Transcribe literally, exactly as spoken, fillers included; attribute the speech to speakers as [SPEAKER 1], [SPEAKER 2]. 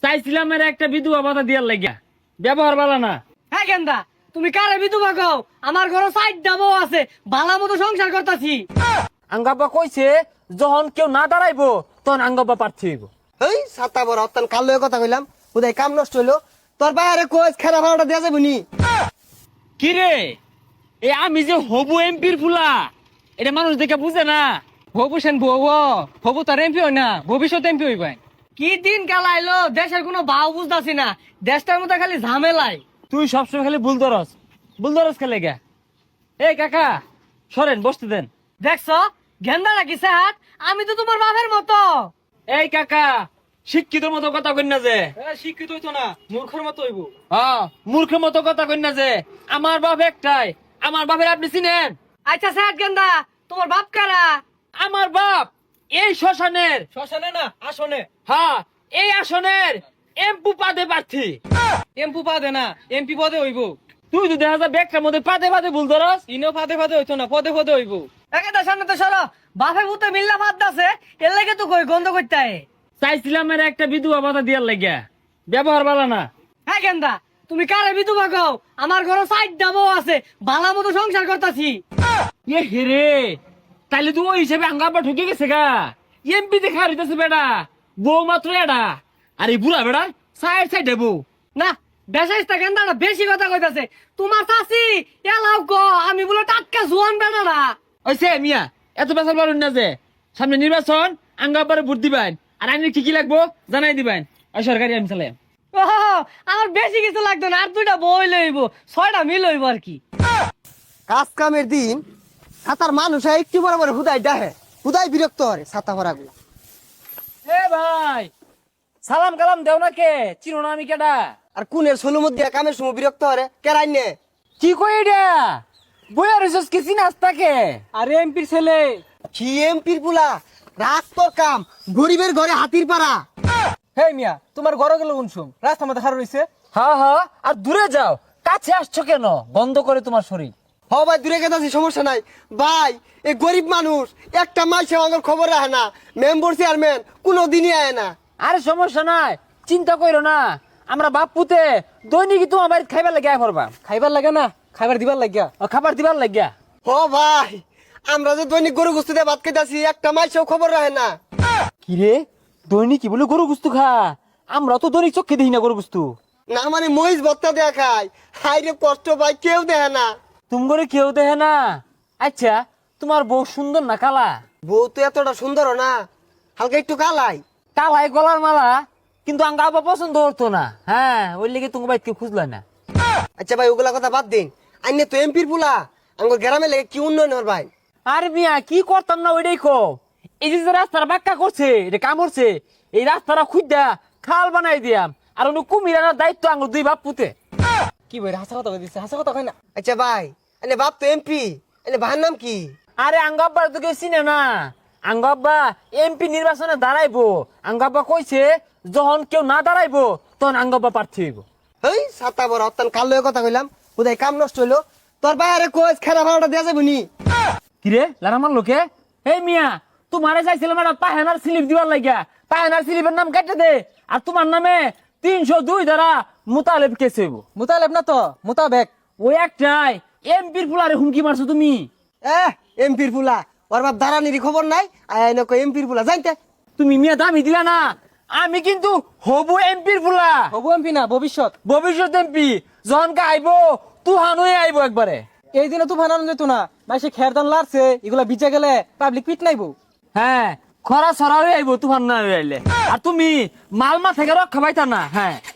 [SPEAKER 1] চাইছিলাম এর একটা বিধবা ভাতা দিয়ার লাগিয়া, ব্যবহার ভালো না।
[SPEAKER 2] হ্যাঁ গেন্দা, তুমি কারে বিধবা কও? আমার ঘরে সাইড ডাবও আছে, ভালো মতো সংসার করতাছি।
[SPEAKER 1] আঙ্গাব্বা কইছে যখন কেউ না দাঁড়াইবো তখন আঙ্গাব্বা প্রার্থী হইব।
[SPEAKER 3] এই সাতা বড় অত্যান কাল লয়ে কথা কইলাম, উদয় কাম নষ্ট হইলো। তোর বাইরে কোচ খেলা ভাড়াটা দেওয়া যাবে নি?
[SPEAKER 1] কি রে, এ আমি যে হবু এমপির ফুলা, এটা মানুষ দেখে বুঝে না।
[SPEAKER 2] হবু সেন বউ, হবু তার এমপি হয় না, ভবিষ্যৎ এমপি হইবেন। কি দিন কাল আইলো, দেশের কোনো ভাও বুঝতাছি না, দেশটার মধ্যে খালি ঝামেলাই।
[SPEAKER 1] তুই সবসময় খালি ভুল ধরস, ভুল ধরস খেলে গা। এই কাকা সরেন, বসতে দেন।
[SPEAKER 2] দেখছো গেন্দা নাকি স্যার? আমি তো তোমার বাপের মতো।
[SPEAKER 1] এই কাকা, শিক্ষিত মতো কথা কই না যে।
[SPEAKER 2] শিক্ষিত হইতো না, মূর্খের মতো হইব।
[SPEAKER 1] হ্যাঁ, মূর্খের মতো কথা কই না যে। আমার বাপ একটাই, আমার বাপের আপনি চিনেন?
[SPEAKER 2] আচ্ছা স্যার গেন্দা, তোমার বাপ কারা?
[SPEAKER 1] আমার বাপ এই শ্মশানের,
[SPEAKER 2] শ্মশানে না আসনে।
[SPEAKER 1] হ্যাঁ এই আসনের এমপি পাদে প্রার্থী।
[SPEAKER 2] এমপি পদে না, এমপি পদে হইব।
[SPEAKER 1] তুই তো দেখা যায় ব্যাগটার মধ্যে পাদে পাদে ভুল ধরস।
[SPEAKER 2] ইনো ফাদে ফাদে হইতো না, পদে পদে হইব। একেটা সামনে তো সরো, বাপে ভূতে মিল্লা ফাদ দাসে, এর লাগে তো কই গন্ধ করতে হয়।
[SPEAKER 1] চাইছিলাম এর একটা বিধবা ভাতা দিয়ার লাগিয়া, ব্যবহার ভালো না।
[SPEAKER 2] হ্যাঁ গেন্দা, তুমি কারে বিধবা কও? আমার ঘরে সাইড ডাবও আছে, ভালো মতো সংসার করতাছি।
[SPEAKER 1] এ হেরে, তাইলে তুই ওই হিসেবে আঙ্গাব্বা ঠকে গেছে গা। এমপি দেখা হইতেছে বেড়া, বউ মাত্র এডা, আর এই বুড়া বেড়া সাইড সাইড দেবো
[SPEAKER 2] না বেশাইস্তা গেন্দাটা বেশি কথা কইতাছে। তোমার চাচি এলাও গো, আমি বলে টাটকা জোয়ান বেড়া না।
[SPEAKER 1] ওইসে মিয়া, এত বেসাল পারুন না যে। সামনে নির্বাচন, আঙ্গাব্বারে ভোট দিবেন, আর আইনের কি কি লাগবো জানাই দিবেন। ওই সরকারি আমি চালাই।
[SPEAKER 2] ও আমার বেশি কিছু লাগতো না, আর দুইটা বই লইব, ছয়টা মিল হইব আর কি।
[SPEAKER 3] কাজ কামের দিন সাতার মানুষ একটু বড় বড় হুদাই ডাহে, হুদাই বিরক্ত হরে ছাতা ভরা গুলা।
[SPEAKER 1] এ ভাই, সালাম কালাম দেও না কে, চিনো না আমি কেডা?
[SPEAKER 3] আর কুনের সোলো মধ্যে কামের সময় বিরক্ত হরে কেরাই নে।
[SPEAKER 1] কি কই এটা? বইয়া রইছস কি চিনাস তাকে?
[SPEAKER 2] আরে এমপির ছেলে।
[SPEAKER 3] কি এমপির পুলা, রাত তোর কাম, গরিবের ঘরে হাতির পাড়া।
[SPEAKER 2] হে মিয়া, তোমার ঘরে গেল উনসুম, রাস্তা মধ্যে হার রইছে।
[SPEAKER 1] হ্যাঁ হ্যাঁ, আর দূরে যাও, কাছে আসছো কেন? বন্ধ করে তোমার শরীর।
[SPEAKER 3] হ ভাই দূরে গেছে সমস্যা নাই ভাই, এই গরিব মানুষ একটা মাসে আমার খবর রাখে না, মেম্বার চেয়ারম্যান কোনো দিনই আয় না।
[SPEAKER 1] আরে সমস্যা নাই, চিন্তা করো না, আমরা বাপ পুতে দৈনিক তোমার বাড়িতে খাইবার লাগে আয় করবা।
[SPEAKER 2] খাইবার লাগে না, খাইবার দিবার লাগিয়া।
[SPEAKER 1] ও খাবার দিবার লাগিয়া।
[SPEAKER 3] হ ভাই, আমরা যে দৈনিক গরু গুস্তি দিয়ে ভাত খেতেছি, একটা মাসেও খবর রাখে না।
[SPEAKER 1] কি রে, দৈনিক কি বলে গরু গুস্তু খা? আমরা তো দৈনিক চোখে দেখি না গরু গুস্তু।
[SPEAKER 3] না মানে মহিষ ভত্তা দেয়া খায়, হাই রে কষ্ট ভাই, কেউ দেখে না।
[SPEAKER 1] তুমি করে কেউ দেখে না? আচ্ছা, তোমার বউ সুন্দর না কালা?
[SPEAKER 3] বউ তো এতটা সুন্দর না, হালকা একটু কালাই।
[SPEAKER 1] কালাই গলার মালা, কিন্তু আঙ্গা আবার পছন্দ হতো না। হ্যাঁ, ওই লেগে তুমি বাইকে খুঁজলা না।
[SPEAKER 3] আচ্ছা ভাই ওগুলা কথা বাদ দিন, আইনে তো এমপির পুলা, আমার গ্রামে লেগে কি উন্নয়ন হর ভাই?
[SPEAKER 1] আরে মিয়া, কি করতাম না ওইটাই কো। এই যে যে রাস্তাটা বাক্কা করছে, এটা কাম করছে, এই রাস্তাটা খুঁজা খাল বানাই দিয়াম, আর অন্য কুমির আনার দায়িত্ব আঙ্গুর দুই বাপ পুতে।
[SPEAKER 2] কি বই হাসা কথা কইছে, হাসা কথা কই না।
[SPEAKER 3] আচ্ছা ভাই, এনে বাপ তো এমপি, এনে ভাইয়ের নাম কি?
[SPEAKER 1] আরে আঙ্গাব্বা তো কেউ চিনে না। আঙ্গাব্বা এমপি নির্বাচনে দাঁড়াইবো। আঙ্গাব্বা কইছে যখন কেউ না দাঁড়াইবো তখন আঙ্গাব্বা প্রার্থী হইব।
[SPEAKER 3] এই সাতা বড় অত্যান কাল লয়ে কথা কইলাম, উদয় কাম নষ্ট হইলো। তোর বাইরে কোচ খেলা ভাড়াটা দেওয়া যাবে নি?
[SPEAKER 1] কিরে লারামার লোকে, এই মিয়া, তোমারে চাইছিলাম একটা পাহেনার স্লিপ দিবার লাগিয়া, পাহেনার স্লিপের নাম কেটে দে, আর তোমার নামে তিনশো দুই দ্বারা মোতালেব কেস হইব।
[SPEAKER 2] মুতালেব না তো, মুতাবেক।
[SPEAKER 1] ওই একটাই এমপির ফুলারে হুমকি মারছো তুমি।
[SPEAKER 3] এহ এমপির পুলা, ওর বাপ দাঁড়ানির খবর নাই, আয় নকো এমপির পুলা জানতে।
[SPEAKER 1] তুমি মিয়া দামি দিলা না, আমি কিন্তু হবু এমপির ফুলা।
[SPEAKER 2] হবু এমপি না, ভবিষ্যৎ।
[SPEAKER 1] ভবিষ্যৎ এমপি যখন আইব তুহান হয়ে আইব একবারে।
[SPEAKER 2] এই দিনে তো বানানো যেত না, মাসে খের দান লারছে, এগুলা বিচে গেলে পাবলিক পিট নাইবো।
[SPEAKER 1] হ্যাঁ, খরা সরা হয়ে আইব তুফান না হয়ে আইলে। আর তুমি মালমা থেকে রক্ষা পাইতা না। হ্যাঁ।